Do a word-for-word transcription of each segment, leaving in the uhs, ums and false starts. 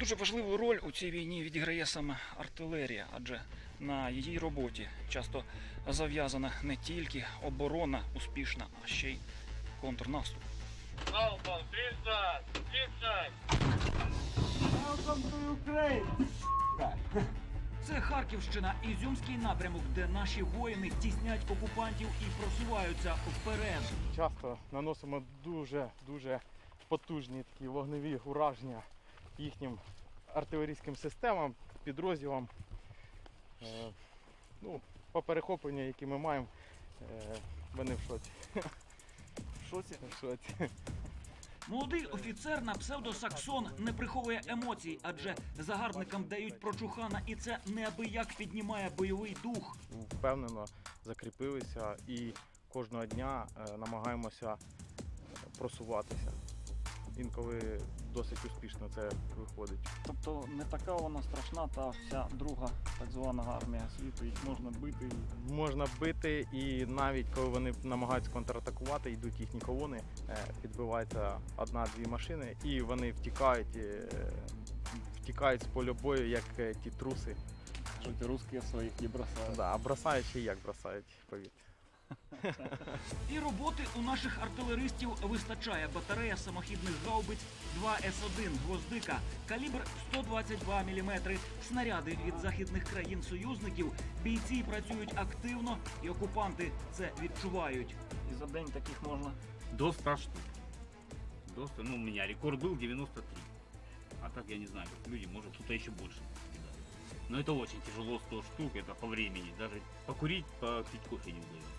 Дуже важливу роль у цій війні відіграє саме артилерія, адже на її роботі часто зав'язана не тільки оборона успішна, а ще й контрнаступ. Залпом тридцать! тридцать! Welcome to Ukraine! Це Харківщина, Ізюмський напрямок, де наші воїни тіснять окупантів і просуваються вперед. Часто наносимо дуже-дуже потужні такі вогневі ураження їхнім артилерійським системам, підрозділам. Е, ну, по перехопленню, які ми маємо, е, вони в шоці. В шоці? В шоці. Молодий офіцер на псевдо Саксон не приховує емоцій, адже загарбникам дають прочухана, і це неабияк піднімає бойовий дух. Впевнено закріпилися і кожного дня е, намагаємося просуватися. Інколи досить успішно це виходить. Тобто не така вона страшна, та вся друга так звана армія світу, їх можна бити. Можна бити, і навіть коли вони намагаються контратакувати, йдуть їхні колони, е, підбивається одна-дві машини, і вони втікають, е, втікають з поля бою, як е, ті труси. Кажуть, русські своїх не бросають. Да, а бросають ще як бросають, повірте. І роботи у наших артилеристів вистачає. Батарея самохідних гаубиць два ес один «Гвоздика», калібр сто двадцять два міліметри, снаряди від західних країн-союзників. Бійці працюють активно, і окупанти це відчувають. І за день таких можна. До ста штук. До ста, ну, у меня рекорд был девяносто три. А так я не знаю, как люди, может кто-то еще больше. Но это очень тяжело, сто штук, это по времени. Даже покурить, попить кофе не удается.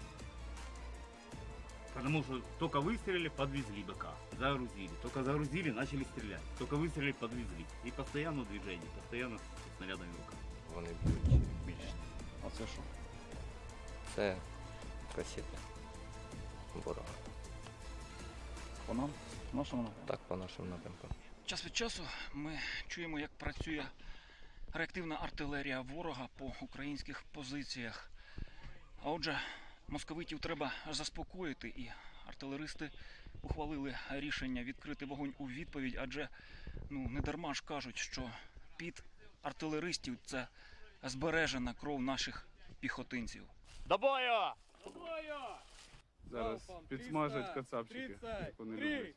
Потому что только выстрелили, подвезли БК, загрузили. Только загрузили, начали стрелять. Только выстрелили, подвезли. И постоянно движение, постоянно с снарядами в руках. Вони б'ють більше. А це що? Це касети ворога. По нам? Нашому напрямку? Так, по нашим напрямкам. Час від часу ми чуємо, як працює реактивна артилерія ворога по українських позиціях. А отже, московитів треба заспокоїти, і артилеристи ухвалили рішення відкрити вогонь у відповідь, адже ну, не дарма ж кажуть, що під артилеристів – це збережена кров наших піхотинців. До бою! Зараз підсмажать кацапчики, як вони люблять.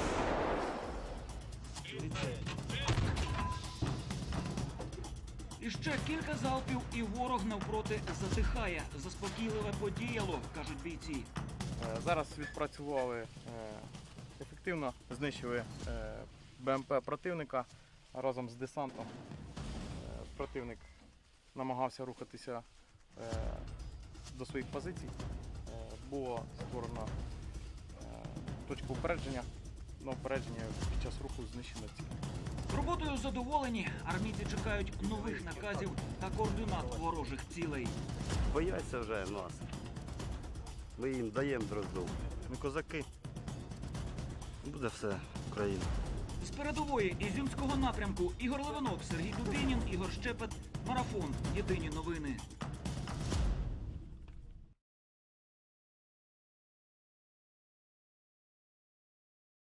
І ще кілька залпів, і ворог навпроти затихає. Заспокійливе подіяло, кажуть бійці. Е, Зараз відпрацювали, е, ефективно знищили е, БМП противника разом з десантом. Е, Противник намагався рухатися е, до своїх позицій. Е, Було створено е, точку упередження. На упередження під час руху знищено ціль. Роботою задоволені. Армійці чекають нових наказів та координат ворожих цілей. Бояться вже нас. Ми їм даємо дрозду. Ми козаки. Буде все Україна. З передової Ізюмського напрямку Ігор Левинок, Сергій Дубінін, Ігор Щепет. Марафон. Єдині новини.